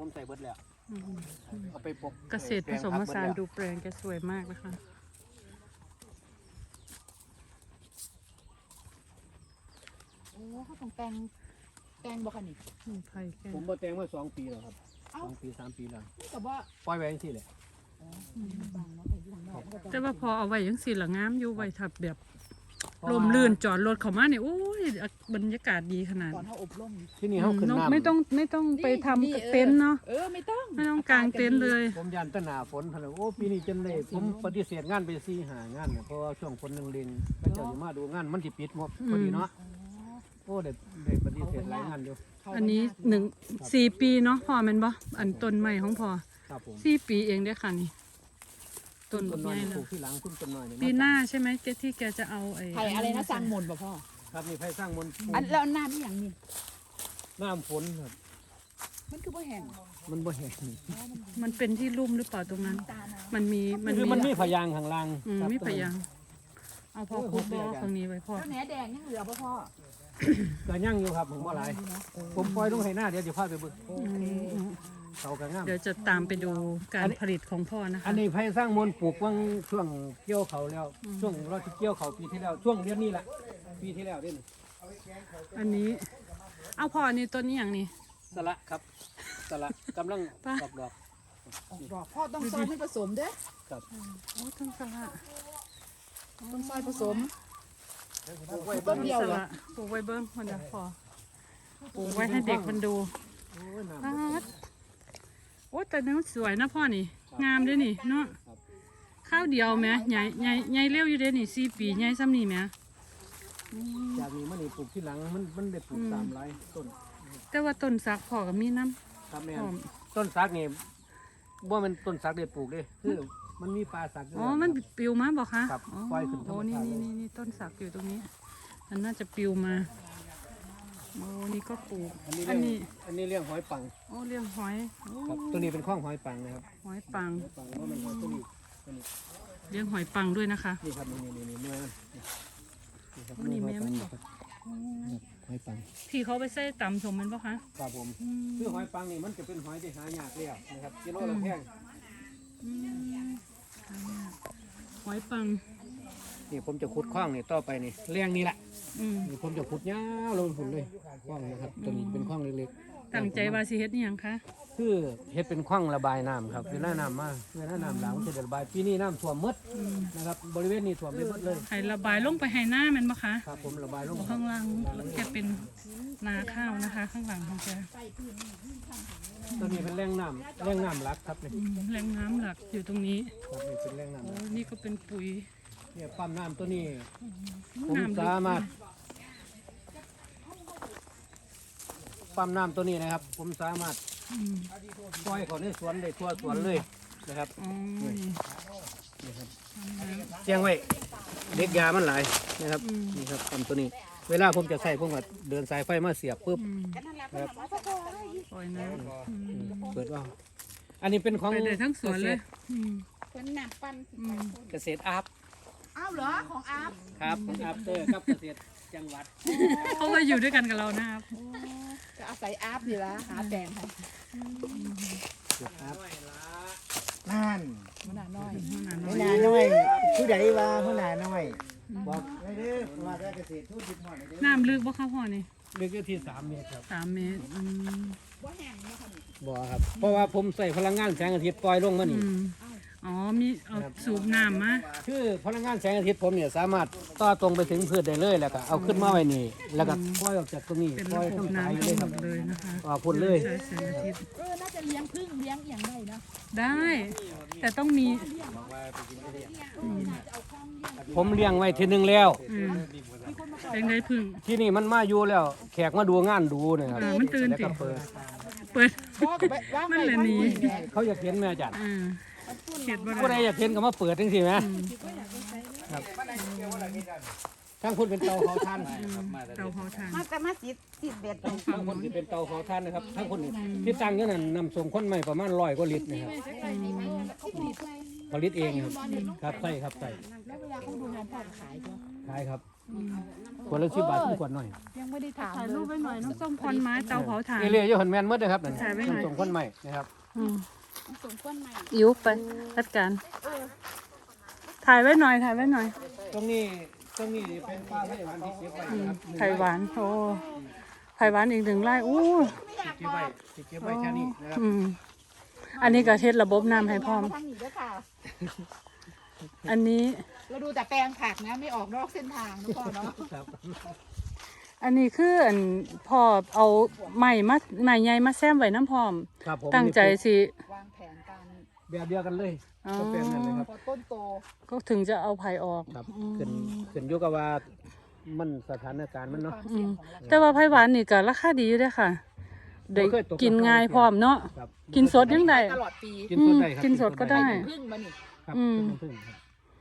ใส่เบิดแล้วเอาไปปกเกษตรผสมผสานดูแปลงแกสวยมากนะคะโอ้เขาต้องแต่งบ่คะนี่ไผ่แกผมบ่แต่งมา2 ปีแล้วครับ2 ปี 3 ปีแล้วนี่ก็บ่ปล่อยไว้จังซี่แหละแต่ว่าพอเอาไว้ยังสิละงามอยู่ไว้ทับแบบลมลื่นจอดรถเข้ามาเนี่ยโอ้ยบรรยากาศดีขนาดก่อนเขาอบรมที่นี่เฮาขึ้นน้ำไม่ต้องไปทำเต็นท์เนาะไม่ต้องกางเต็นท์เลยผมยันตะหนาฝนพุ่นน่ะโอ้ปีนี้จนเลยผมปฏิเสธงานไป4-5 งานเนี่ยเพราะว่าช่วงฝนนึงเล็งพระเจ้าสิมาดูงานมันสิปิดงบพอดีเนาะโอ้ได้ปฏิเสธหลายงานอยู่อันนี้4 ปีเนาะพ่อแม่นบ่อันต้นใหม่ของพ่อครับผม 4 ปีเองเด้อค่ะนี่ต้นใหญ่แล้วที่หลังต้นน้อยนี่ปีหน้าใช่ไหมที่แกจะเอาไผ่อะไรนะสร้างมนต์บ่พ่อครับนี่ไผสร้างมนต์แล้วน้ำนี่อย่างนี้น้ำฝนครับมันคือบ่แห้งมันบ่แห้งมันเป็นที่ลุ่มหรือเปล่าตรงนั้นมันมีพยางข้างล่างมีพยางเอาพอคุบบ่ตรงนี้ไว้พ่อแล้วแหนแดงยังเหลือบ่พ่อก็ยังอยู่ครับผมบ่หลายผมปล่อยลงให้หน้าเดี๋ยวจะพาไปเบิ่งเขาก็งามเดี๋ยวจะตามไปดูการผลิตของพ่อนะคะอันนี้ไผสร้างมนต์ปลูกวังช่วงเกี่ยวเขาแล้วช่วงเราที่เกี่ยวเขาปีที่แล้วช่วงเดือนนี้แหละปีที่แล้วเด้นี่อันนี้เอาพ่อนี่ต้นนี้อย่างนี้สละครับสละกำลังออกดอกพ่อต้องซอยให้ผสมเด้อครับโอ้ต้นสละต้องซอยผสมต้นเดียวเหรอปลูกไว้เบิ้งคนเดียวพอปลูกไว้ให้เด็กมันดูโอ้แต่เนื้อสวยนะพ่อนี่งามด้วยนี่เนาะข้าวเดียวไหมใหญ่เร็วอยู่เด้นี่4 ปีใหญ่ซ้ำนี่ไหมจากนี้มันนี่ปลูกที่หลังมันได้ปลูก300 ต้นแต่ว่าต้นสักพ่อกับมีน้ำครับแม่ต้นสักนี่ว่ามันต้นสักได้ปลูกเลยคือมันมีปลาสักอ๋อมันปิวมาบอกคะครับปล่อยขึ้นธรรมชาตินี่ต้นสักอยู่ตรงนี้มันน่าจะปิวมาโอ้นี่ก็ปลูกอันนี้เลี้ยงหอยปังโอ้เลี้ยงหอยครับตัวนี้เป็นข้องหอยปังนะครับหอยปังว่ามันหอยตัวนี้เลี้ยงหอยปังด้วยนะคะนี่ครับนี่เนื้อนี่แม่มันบอกหอยปังที่เขาไปใส่ตำสมมันปะคะครับผมคือหอยปังนี่มันจะเป็นหอยที่หายากแล้วนะครับกิโลละแพงหอยปังนี่ผมจะขุดคว้างนี่ต่อไปนี่เลี้ยงนี่แหละนี่ผมจะขุดยาวลงหุ่นเลยคว้างนะครับตัวนี้เป็นคว้างเล็กๆตั้งใจว่าสิเฮ็ดนี่ยังคะคือเฮ็ดเป็นคว้างระบายน้ำครับเวลาน้ำมาเวลาน้ำหลากมันจะระบายปีนี้น้ำท่วมหมดนะครับบริเวณนี้ท่วมไปหมดเลยให้ระบายลงไปให้หน้ามันปะคะครับผมระบายลงข้างล่างแกเป็นนาข้าวนะคะข้างหลังของแกตัวนี้เป็นแรงน้ำหลักครับนี่แรงน้ำหลักอยู่ตรงนี้ครับนี่เป็นแรงน้ำโอ้นี่ก็เป็นปุ๋ยเนี่ยปั๊มน้ำตัวนี้ผมสามารถปั๊มน้ำตัวนี้นะครับผมสามารถปล่อยเขาในสวนได้ทั่วสวนเลยนะครับเชียงไว้เด็กยามันหลายนะครับนี่ครับปั๊มตัวนี้เวลาผมจะใส่ผมก็เดินสายไฟมาเสียบปุ๊บนะครับปล่อยน้ำเปิดว่าอันนี้เป็นของทั้งสวนเลยเป็นหนักปันเกษตรอาบอ้าวเหรอของอาบครับของอาบเตอร์ครับเกษตรจังหวัดเขามาอยู่ด้วยกันกับเรานะครับจะอาศัยอาบดีละหาแดงค่ะนั่นหัวหน้าน้อยผู้ใดว่าหัวหน้าน้อยบอกได้เด้อว่าได้เกษตรทุกทิศหน่อยน้ำลึกบ่ครับพ่อนี่ลึกที่3 เมตรครับ 3 เมตรบ่แห้งบ่ค่ะบ่ครับเพราะว่าผมใส่พลังงานแสงอาทิตย์ปล่อยลงมานี่อ๋อมีเอาสูบน้ำมาคือพลังงานแสงอาทิตย์ผมเนี่ยสามารถต่อตรงไปถึงพืชได้เลยแล้วก็เอาขึ้นมาไว้นี่แล้วก็ปล่อยออกจากตรงนี้ปล่อยทั้งสายเลยครับเลยนะคะพ่นเลยน่าจะเลี้ยงพึ่งเลี้ยงอย่างไรนะได้แต่ต้องมีผมเลี้ยงไว้ทีนึงแล้วเลี้ยงได้พึ่งที่นี่มันมาอยู่แล้วแขกมาดูงานดูเนี่ยครับมันตื่นติเปิดมันเลยหนีเขาอยากเห็นแม่จัดผู้ใดอยากเห็นก็มาเปิดจริงๆไหมครับทั้งคุณเป็นเตาเผาถ่านเตาเผาถ่านมาติดเบ็ดทั้งคนที่เป็นเตาเผาถ่านนะครับทั้งคนที่ตั้งอยู่นั่นนำส่งคนใหม่ประมาณ100 กว่าลิตรนะครับผลิตเองครับใช่ครับใช่แล้วเวลาเขาดูงานพ่อขายขายครับขวดละ10 บาทคือขวดน้อยยังไม่ได้ถามถ่ายเลรูปยไว้หน่อยน้องส้มควันไม้เตาเผาถ่านเรียอยู่หันแม่นหมดเลยครับนั่นถ่ายไว้หน่อยส่งคนใหม่นะครับอืมสมควรใหม่อิ๋วไปจัดการถ่ายไว้หน่อยถ่ายไว้หน่อยตรงนี้เป็นป้าให้มันที่เก็บไว้นะครับไผ่หวานโอ้ไผ่หวานอีก1 ไร่อู้ที่เก็บไว้แค่นี้นะครับอืมอันนี้ก็เทศระบบน้ำให้พร้อมทางนี้ด้วยค่ะอันนี้เราดูแต่แปลงผักนะไม่ออกนอกเส้นทางนะพ่อเนาะครับอันนี้คืออันพอเอาไม้ใหญ่มาแซมไว้น้ำพร้อมครับผมตั้งใจสิวางแผนการแบบเดียวกันเลยอ๋อก็เป็นนั่นเลยครับพอต้นโตก็ถึงจะเอาไผ่ออกครับขึ้นอยู่กับว่ามันสถานการณ์มันเนาะความเสี่ยงของเราแต่ว่าไผ่หวานนี่ก็ราคาดีอยู่เด้อค่ะได้บ่เคยตกกินง่ายพร้อมเนาะครับกินสดยังได้ตลอดปีกินสดได้ครับกินสดก็ได้พึ่งมานี่ครับอืมกินพึ่งครับ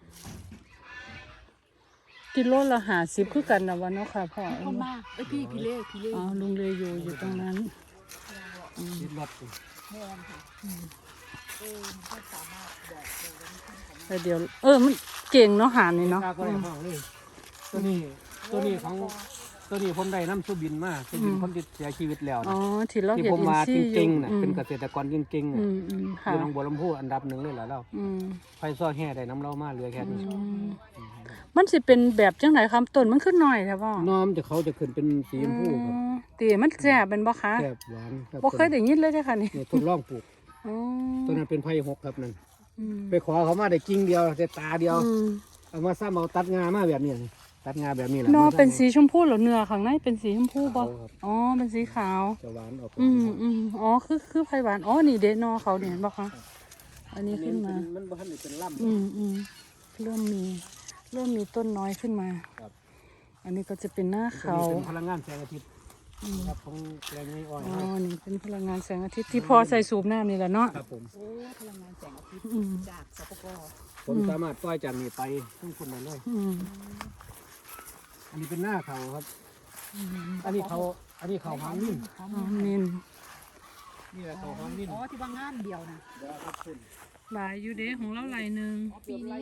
กิโลละ50คือกันนะวันเนาะค่ะพ่อคนมากพี่เล่อ๋อลุงเลยอยู่ตรงนั้นคิดรถแม่นค่ะมันก็สามารถบอกเลยว่านี่ของแต่เดี๋ยวมันเก่งเนาะหานนี่เนาะกล้าก็ได้ห้องเลยตัวนี้ของตัวนี้ผมได้น้ำสุบินมาสุบินคนที่เสียชีวิตแล้วอ๋อนะที่เราที่เห็นผมอินมาซีจย์อยู่ริงๆนะเป็นเกษตรกรจริงๆอืนะมอค่ะยู่หนองบัวลำพูอันดับ1เลยแหละเราอืมไฟซ้อแห่ได้น้ำเรามาเหลือแค่นี้มันสิเป็นแบบจังไหนคำต้นมันขึ้นหน่อยใช่ป่ะน้อมจะเขาจะขึ้นเป็นสีชมพูครับตีมันแซ่บเป็นบ่คะแซ่บหวานครับบ่เคยได้ยินเลยเด้อค่ะนี่เนี่ยทดลองปลูกอ๋อตัวนั้นเป็นไผ่6ครับนั่นอืมไปขอเขามาได้กิ่งเดียวได้ตาเดียวอืมเอามาซ้ำเอาตัดงามาแบบนี้นี่ตัดงาแบบนี้แหละนอมัเป็นสีชมพูเหรอเนื้อข้างในเป็นสีชมพูบ่ขาวครับอ๋อเป็นสีขาวจะหวานออกอ๋อคือไผ่หวานอ๋อนี่เด้นอเขาเนี่ยเห็นบ่คะอันนี้ขึ้นมามันบ่ทันได้เป็นล่ำเริ่มมีต้นน้อยขึ้นมาครับอันนี้ก็จะเป็นหน้าตัวเขานี้เป็นพลังงานแสงอาทิตย์ครับของแรงไม่อ่อนอ๋อ นี่เป็นพลังงานแสงอาทิตย์ที่พอใส่สูบน้ำนี่แหละเนาะครับผมโอ้พลังงานแสงอาทิตย์อืมจากสปกผมสามารถปล่อยจากนี้ไปทั้งคนนั้นเลยอืมอันนี้เป็นหน้าเขาครับ อันนี้เขาหางนิ่มอ๋อนินนี่แหละเขาหางนิ่มอ๋อที่ว่างานเดียวนะเดี๋ยวครับคุณหลายอยู่เด้ของเราหลายหนึ่งปีนี้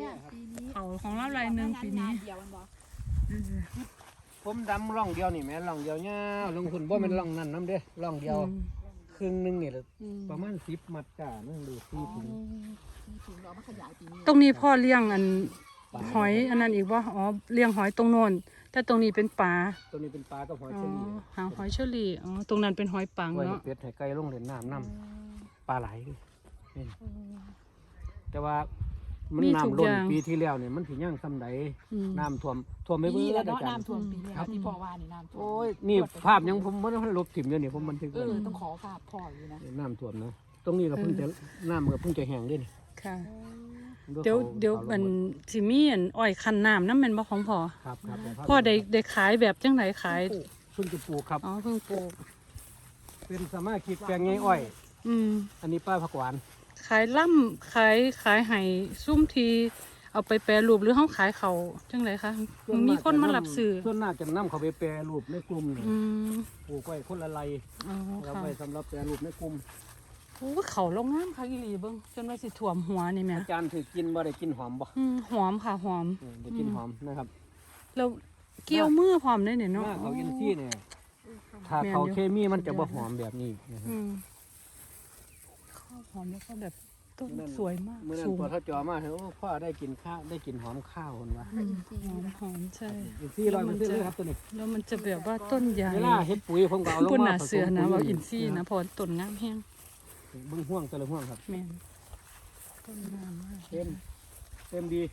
เขาของเราหลายหนึ่งปีนี้เดียวมันบอกผมดำร่องเดียวนี่แม่ร่องเดียวเงี้ยลงทุนบ่เป็นร่องนั่นน้ำเด้ร่องเดียวครึ่งหนึงนี่แหละประมาณ10 มัดจ้านั่นดู4 ถุงถึงเรามาขยายปีนี้ตรงนี้พ่อเลี้ยงอันหอยอันนั้นอีกว่าอ๋อเลี้ยงหอยตรงโน้นแต่ตรงนี้เป็นปลาตัวนี้เป็นปลากับหอยอ๋อเชอรี่หางหอยเชอรี่อ๋อตรงนั้นเป็นหอยปังไว้ให้เนาะเป็ดให้ไก่ลงเล่นน้ำน้ำปลาไหลนี่แต่ว่ามันน้ำล้นปีที่แล้วเนี่ยมันถึงย่างซ้ำใดอืมน้ำท่วมไม่ปีเบื่นี้อแหละอาเนาะจารย์น้ำท่วมปีนี้ที่พ่อว่านี่น้ำท่วมโอ้ยนี่ภาพยังผมไม่ได้ลบถิ่มอยู่นี่ผมบันทึกไว้ต้องขอฝากพ่ออยู่นะน้ำท่วมนะตรงนี้เราเพิ่งจะน้ำมันก็เพิ่งจะแห้งด้วยนี่ค่ะด้วยเดี๋ยวขาเดี๋ยวขาลงมันสิมีอันอ้อยคันน้ำน้ำแมันบ่ของพ่อครับครับแต่ภาพพ่อได้ขายแบบจังไหนขายเพิ่งจะปลูกครับอ๋อเพิ่งปลูกเป็นสมาชิกแปลงไงอ้อยอืมอันนี้ป้าผักหวานขายล่ำขายให้ซุ่มทีเอาไปแปรรูปหรือเขาขายเขาจังไรคะมีคนมารับซื้อส่วนมากจะนำเขาไปแปรรูปในกลุ่มนี่อืมปลูกไว้คนละไรอ๋อเราค่ะไปสำหรับแปรรูปในกลุ่มโอ้เขาลงน้ำค่ะอีหลีเบิ้งจนว่าสิถ่วมหัวนี่แหม่อาจารย์ถือกินบ่ได้กินหอมบ่หอมค่ะหอมได้กินหอมนะครับแล้วเกี่ยวมือพร้อมได้เนี่ยหเนาะน้าเขาอินซี่เนี่ยถ้าเขาเคมีมันจะบ่หอมแบบนี้นะครับอืมข้าวหอมแล้วก็แบบต้นสวยมากเมื่อนั้นสูงพอเขาจอมาเห็นว่าพ่อได้กินข้าวได้กินหอมข้าวคนว่าหอมใช่อินซี่ร้อยมันเลยครับตัวนี้แล้วมันจะแบบว่าต้นใหญ่เวลาเฮ็ดปุ๋ยผมก็เอาลงคุณมาน่ะผสมเสือนะปุ๋ยว่าอินซี่นะเพอต้นงามแห้งเบิ่งห่วงแต่ละห่วงครับแม่นต้นงามมากเต็มดี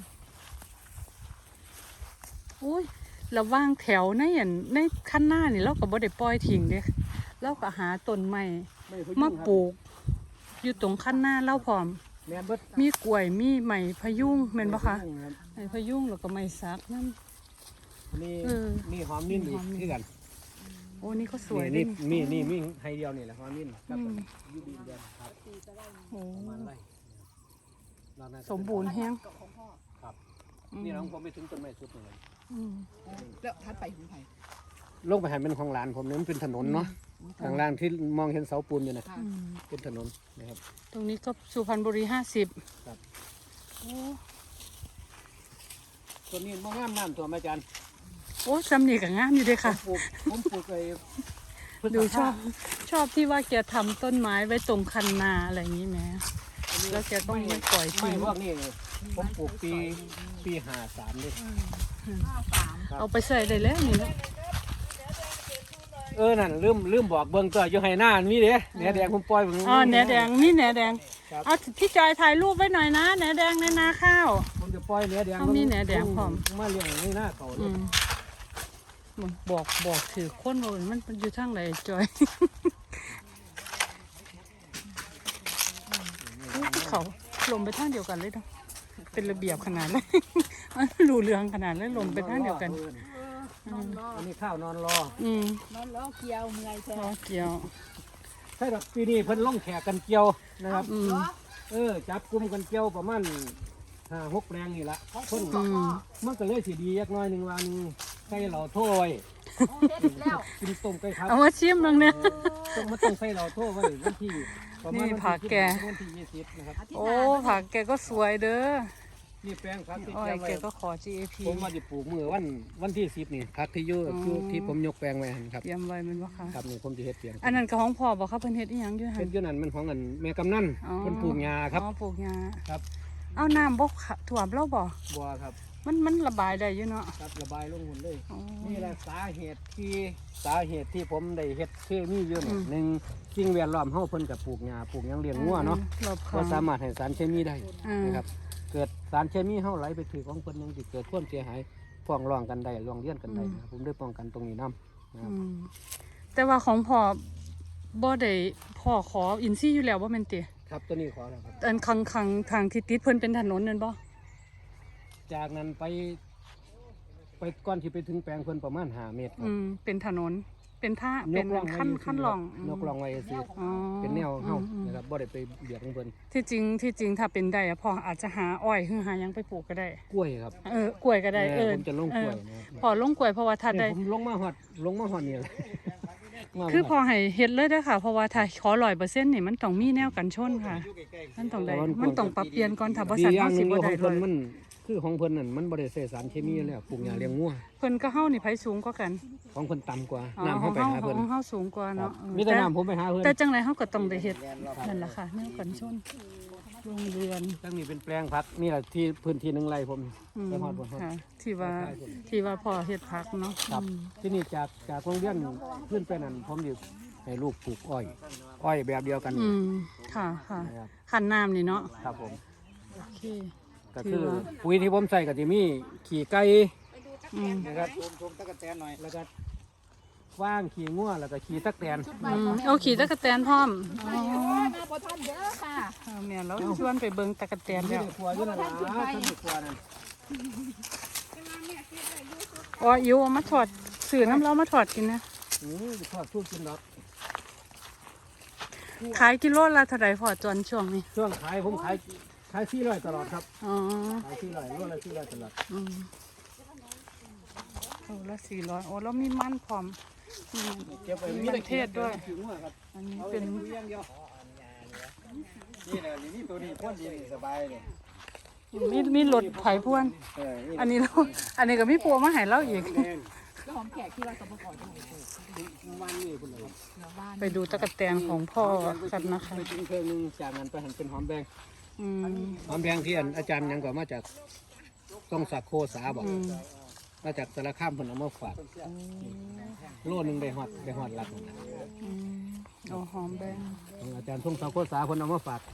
อุ้ยระว่างแถวในอันในขั้นหน้านี่เราก็บ่ได้ปล่อยทิ้งเด้เราก็หาต้นไม้ไม่พยุงมาครับปลูก อยู่ตรงขั้นหน้าเล่าพร้อมแม่นเบิดมีกล้วยมีไม้พะยุงแม่นบ่คะรับไม้พะยุงแล้วก็ไม้สักนั่นนี่เออนี่หอมนิ่มอีกหอมนิ่มคือกันโอ้นี่ก็สวยนี่ด้วยมีให้เดียวนี่แหละหอมนิ่มครับอืมยูดีเดียวครับโอ้ประมาณไรเราน่าจะสมบูรณ์แฮงครับนี่น้องผมไปถึงต้นไม้สุดเลยอืมแล้วทัดไปถึงไหนลงไปหันเป็นของหลานผมเนี่ยมันเป็นถนนเนาะทางล่างที่มองเห็นเสาปูนอยู่นะค่ะอืมเป็นถนนนะครับตรงนี้ก็สุพรรณบุรี50 ครับโอ้ต้นนี้มองงามน้ำตัวอาจารย์โอ้ซ้ำนี่ก็งามอยู่เด้ค่ะผมปลูกไอ้ดูชอบที่ว่าแกทำต้นไม้ไว้ตรงคันนาอะไรอย่างนี้แหมแล้วแกต้องไม่ปล่อยไม่ทิ้งพวกนี้ผมปลูกปี53ด้วยเอาไปใส่ได้แล้วนี่นะนั่นลืมบอกเบิ่งตัวอยู่ให้หน้ามีเด้แหนแดงผมปล่อยผมอ๋อแหนแดงนี่แหนแดงครับเอาพี่จอยถ่ายรูปไว้หน่อยนะแหนแดงในนาข้าวผมจะปล่อยแหนแดงเอามีแหนแดงพร้อมมาเลี้ยงในหน้าเขาอืมบอกถือคนว่ามันอยู่ทางไหนจอย เขาลมไปทางเดียวกันเลยเนาะเป็นระเบียบขนาดเลย มันรูเรืองขนาดเลยลมไปทางเดียวกันอันนี้ข้าวนอนรออืมนอนล้อเกียวเมื่อยแท้รอเกี่ยวใช่ครับปีนี้เพิ่นลงแขกกันเกี่ยวนะครับอืมจับกลุ่มกันเกี่ยวประมาณ5-6แปลงนี่ละคนอืมมันก็เลยสิดียักน้อยหนึ่งวันใส่เหล่าโถ้วยโอ้เฮ็ดอีกแล้วกินต้มไก่ครับเอามาชิมลงเนี่ยต้องใส่เหล่าโถ้วยไว้วันที่ประมาณนี่ผักแกวันที่20นะครับโอ้ผักแกก็สวยเด้อนี่แปลงผักที่อ้อแกยไว้แกก็ขอ GAP ผมว่าจะปลูกมือวันที่10นี่ผักที่อยู่คือที่ผมยกแปลงไว้หั่นครับเตรียมไว้แมันบ่คะครับนี่ผมจะเฮ็ดเพียงอันนั้นก็ของพ่อบอกเขาเพิ่นเฮ็ดอีหยังอยู่หั่เป็น นอยู่นั่นมันของเงินแม่กำนันอ๋อเพิ่นปลูกหญ้าครับอ๋อปลูกหญ้าครับเอาน้ำบ่ท่วมแล้วบ่บัวครับมันระบายได้อยู่เนาะครับระบายลงหุ่นเลยอ๋อนี่แหละสาเหตุที่ผมได้เฮ็ดเคมีเยอะเนี่ยอืมหนึ่งสิ่งแวดล้อมเฮาเพิ่นกับปลูกหญ้าปลูกหยังเลี้ยงงัวเนาะรอบคก็องสามารถให้สารเคมีได้อืมนะครับเกิดสารเคมีเฮาไหลไปถือของเพิ่นยังสิเกิดความเสียหายฟ้องร้องกันได้ร้องเรียนกันได้นะครับผมได้ป้องกันตรงนี้นํนะครับอืมแต่ว่าของพ่อบ่ได้พ่อขออินซี่อยู่แล้วบ่แม่นติครับตัวนี้ขอแล้วครับอันข้างทางที่ติดเพิ่นเป็นถนนนั่นบ่จากนั้นไปก่อนที่ไปถึงแปลงเพิ่นประมาณ5เมตรครับเป็นถนนเป็นท่าเป็นร่องขั้นรองยกร่องไว้ซื่ออ๋อเป็นแนวเฮาอืมนะครับบ่ได้ไปเบียดของเพิ่นที่จริงถ้าเป็นได้อะพ่ออาจจะหาอ้อยหรือหาหยังไปปลูกก็ได้กล้วยครับกล้วยก็ได้ผมจะลงกล้วยเออนะครับพอลงกล้วยเพราะว่าถ้าได้ผมลงมาฮอดนี่แหละคือพอให้เฮ็ดเลยเด้อค่ะ เพราะว่าถ้าขอ100%นี่มันต้องมีแนวกันชนค่ะ มันต้องได้มันต้องปรับเปลี่ยนก่อนถ้าบ่ดีซั่นอย่าเฮางหสินึงบ่ขได้องเลเพิ่นยมันคือของเพิ่นนั่นมันบ่ได้ใส่สารเคมีแล้วปลูกหญ้าเลี้ยงงัวเพิ่นก็เฮานี่ไผสูงกว่ากันของเพิ่นต่ำกว่าอ๋อน้ำขเฮาองไปหาเพิ่นของเฮาสูงกว่าเนาะมีแต่น้ำผมไปหาเพิ่นแต่จังไดเฮาก็ต้องได้เฮ็ดนั่นล่ะค่ะแนวกันชนโรงเรือนตั้งนี้เป็นแปลงผักนี่แหละที่พื้นที่1ไร่ผมอืมไปฮอดบ่ฮอดค่ะที่ว่าพ่อเฮ็ดผักเนาะครับที่นี่จากโรงเรียนขึ้นไปนั่นผมอยู่ให้ลูกปลูกอ้อยแบบเดียวกันค่ะค่ะนะครับขันน้ำนี่เนาะครับผมโอเคก็คือถือว่าปุ๋ยที่ผมใส่ก็จะมีขี้ไก่อืมนะครับชมตะกั่นแตนหน่อยแล้วก็ว่างขี้งัวแล้วก็ขี้ตักแตนเอาขี่ตะกะแตนพร้อมอ๋อมาบ่ทันเด้อค่ะเอาแม่เราชวนไปเบิ่งตะกะแตนที่แล้วในครัวอยู่นั่นล่ะท่านในครัวนั่นอ๋ออิวเอามาถอดสื่อน้ำเรามาถอดกินนะทอดทุกกินดอกขายกิโลละเท่าไหร่พอจนช่วงนี้ช่วงขายผมขาย400ตลอดครับอ๋อขาย400โลละ400ตลอดอืมโลละ400โอ้แล้วมีมันพร้อมอืมเก็บไว้มีมันเทศด้วยขี้งัวครับอันนี้เป็นนี่แหละนี่ตัวนี้พ่นดีสบายเลยมีรถไถพ่วนนี่อันนี้เราอันนี้ก็มีปัวมาให้เราอีกแล้วหอมแขกที่ว่าสมประกอบจะให้ปลูกวันนี้พุ่นเลยเดี๋ยวบ้านไปดูตะกะแตนของพ่อกันนะคะไปกินเครื่องนึงจากนั้นไปหันเป็นหอมแดงอืมหอมแดงที่อาจารย์ยังก็มาจากต้องสักโคสาบอกอืมมาจากสารคามเพิ่นเอามาฝากโลนึงได้ฮอดหลักอืมเอาหอมแดงของอาจารย์ทงสักโคสาเพิ่นเอามาฝาก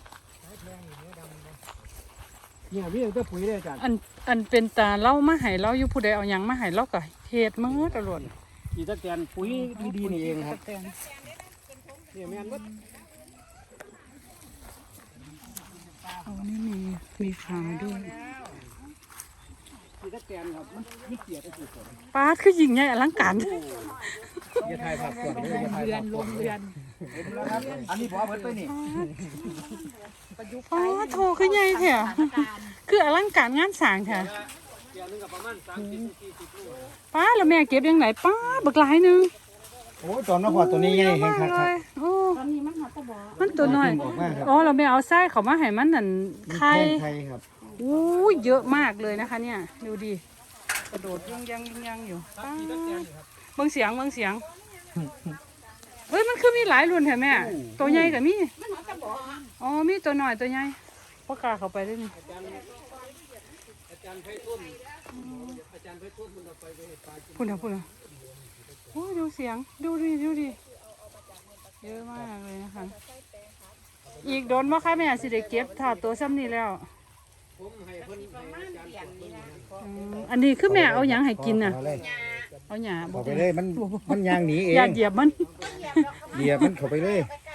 เนี่ยมีแต่ปุ๋ยเลยอาจารย์อันเป็นตาเล่ามาให้เราอยู่ผู้ใดเอาหยังมาให้เราก็เฮ็ดมือตลอดอีตะแกนปุ๋ยดีๆนี่เองครับตะแตนเนี่ยแม่นเบิดเอานี่มีขาด้วยอีตะแกนครับมันมีเกียรติสุดป้าดคือยิ่งใหญ่อลังการอย่าถ่ายภาพก่อนเด้ออย่าถ่ายภาพก่อนอันนี้พอเพิ่นไปนี่อ๋อโทคือใหญ่แท้คืออลังการงานสร้างแท้เกียร์นึงก็ประมาณ30-40โลป้าแล้วแม่เก็บยังไงป้าบักหลายหนึงโอ้ยตอนนั้นพอตัวนี้ใหญ่แห้งคักเลครับยโอ้ตอนนี้มันหอตะบอมันตัวน้อยออกมาครับอ๋อเราไม่เอาไส้เขามาให้มันนั่นไข่ไข่ครับอู้ยเยอะมากเลยนะคะ เนี่ยดูดิกระโดดยังอยู่ป๊าดเบิ่งเสียงเอ้ยมันคือมีหลายรุ่นแท้แม่ตัวใหญ่กับมีอ๋อมีตัวน้อยตัวใหญ่พ่อกล้าเข้าไปได้นี่อาจารย์ไพฑูรย์มันเอาไปเฮ็ดปลาพูดนะโอ้ยดูเสียงดูดิเยอะมากเลยนะคะอีกโดนบ่คะแม่สิได้เก็บถาดตัวซ้ำนี่แล้วผมให้เพิ่นให้อาจารย์อันนี้คือแม่เอาหยังให้กินน่ะเอาเลยเอาหญ้าบ่เข้าไปเลยมันยางหนีเองอย่าเหยียบมันเหยียบมันเข้าไปเลย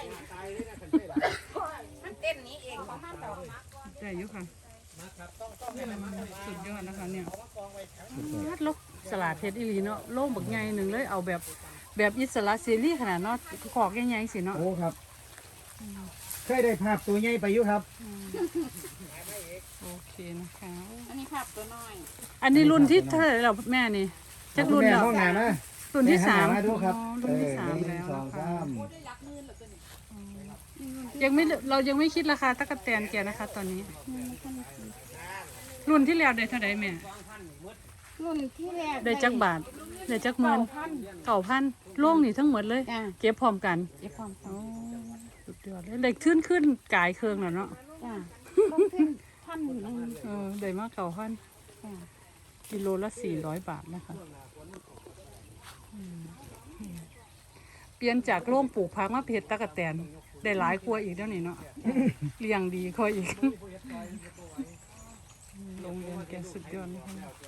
มันเต้นนี้เองของมันต่อมาได้อยู่ค่ะสุดยอดนะคะเนี่ยลกสลัดเฮ็ดอีหลีเนาะโล่งบักใหญ่หนึ่งเลยเอาแบบอิสระเสรีขนาดเนาะขอกใหญ่ๆสิเนาะโอ้ครับเคยได้ภาพตัวใหญ่ไปอยู่ครับโอเคนะคะอันนี้ภาพตัวน้อยอันนี้รุ่นที่เท่าไหร่แล้วแม่นี่จักรุ่นแม่แล้วห้องน้ำนะรุ่นที่สามแหันหน้ดูครับอ๋อรุ่นที่สามหนึ่แล้งวสองนะคะสามเรายังไม่คิดราคาตะกั่วแตนแกนะคะ ตอนนี้ รุ่นที่แล้วได้เท่าไหร่แม่รุ่นที่แรกได้จักบาทได้จักหมื่น9,000โล่งนี่ทั้งหมดเลยจ้าเก็บพร้อมกันเก็บความโอ้สุดยอดเลยเด็กขึ้นกายเครื่องแล้วเนาะจ้าต้องขึ้นพันหนึ่งได้มาก9,000 จ้ากิโลละ400 บาทนะคะเปลี่ยนจากโล่งปลูกพักมาเพชรตะกั่วแตนได้หลายกว่าอีกแล้วนี่เนาะเลี้ยงดีกว่าอีกโรงเรียนแกสุดยอดนะคะ